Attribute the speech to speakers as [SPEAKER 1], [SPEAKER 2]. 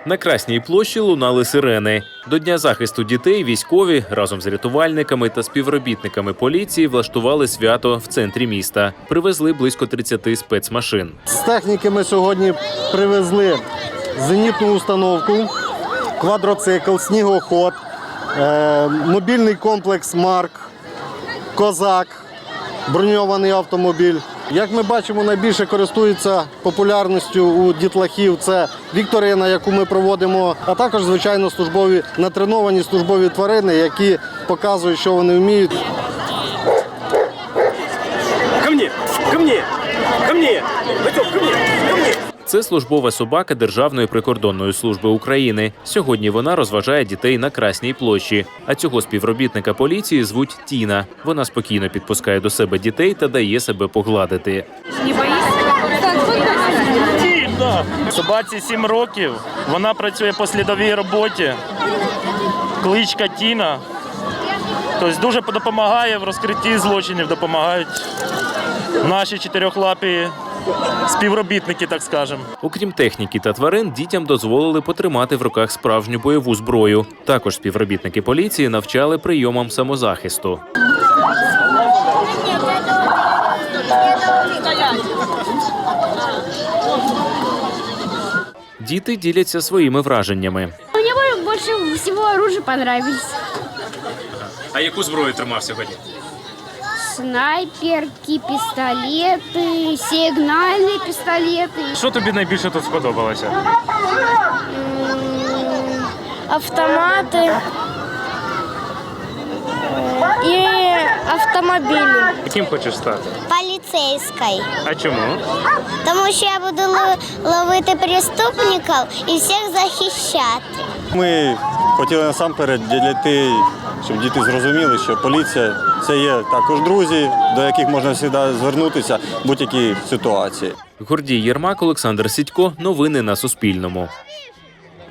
[SPEAKER 1] На Красній площі лунали сирени. До Дня захисту дітей військові разом з рятувальниками та співробітниками поліції влаштували свято в центрі міста. Привезли близько 30 спецмашин.
[SPEAKER 2] З техніки ми сьогодні привезли зенітну установку, квадроцикл, снігоход, мобільний комплекс «Марк», «Козак», броньований автомобіль. Як ми бачимо, найбільше користується популярністю у дітлахів – це вікторина, яку ми проводимо, а також, звичайно, натреновані службові тварини, які показують, що вони вміють.
[SPEAKER 3] Ко мне! Ко мне! Ко мне! Батьок, ко мне! Ко мне!
[SPEAKER 1] Це службова собака Державної прикордонної служби України. Сьогодні вона розважає дітей на Красній площі. А цього співробітника поліції звуть Тіна. Вона спокійно підпускає до себе дітей та дає себе погладити.
[SPEAKER 4] Не боїшся?
[SPEAKER 5] Собаці 7 років, вона працює по слідовій роботі, кличка Тіна. Тобто дуже допомагає в розкритті злочинів, допомагають наші чотирьохлапі співробітники, так скажемо.
[SPEAKER 1] Окрім техніки та тварин, дітям дозволили потримати в руках справжню бойову зброю. Також співробітники поліції навчали прийомам самозахисту. Діти діляться своїми враженнями.
[SPEAKER 4] Мені більше всього оружие понравилось.
[SPEAKER 1] А яку зброю тримав сьогодні?
[SPEAKER 4] Снайперки, пістолети, сигнальні пістолети.
[SPEAKER 5] Що тобі найбільше тут сподобалося?
[SPEAKER 4] Автомати і автомобілі.
[SPEAKER 5] Яким хочеш стати?
[SPEAKER 6] Поліцейською.
[SPEAKER 5] А чому?
[SPEAKER 6] Тому що я буду ловити преступників і всіх захищати.
[SPEAKER 2] Ми хотіли насамперед для дітей, щоб діти зрозуміли, що поліція – це є також друзі, до яких можна завжди звернутися в будь-якій ситуації.
[SPEAKER 1] Гордій Єрмак, Олександр Сідько. Новини на Суспільному.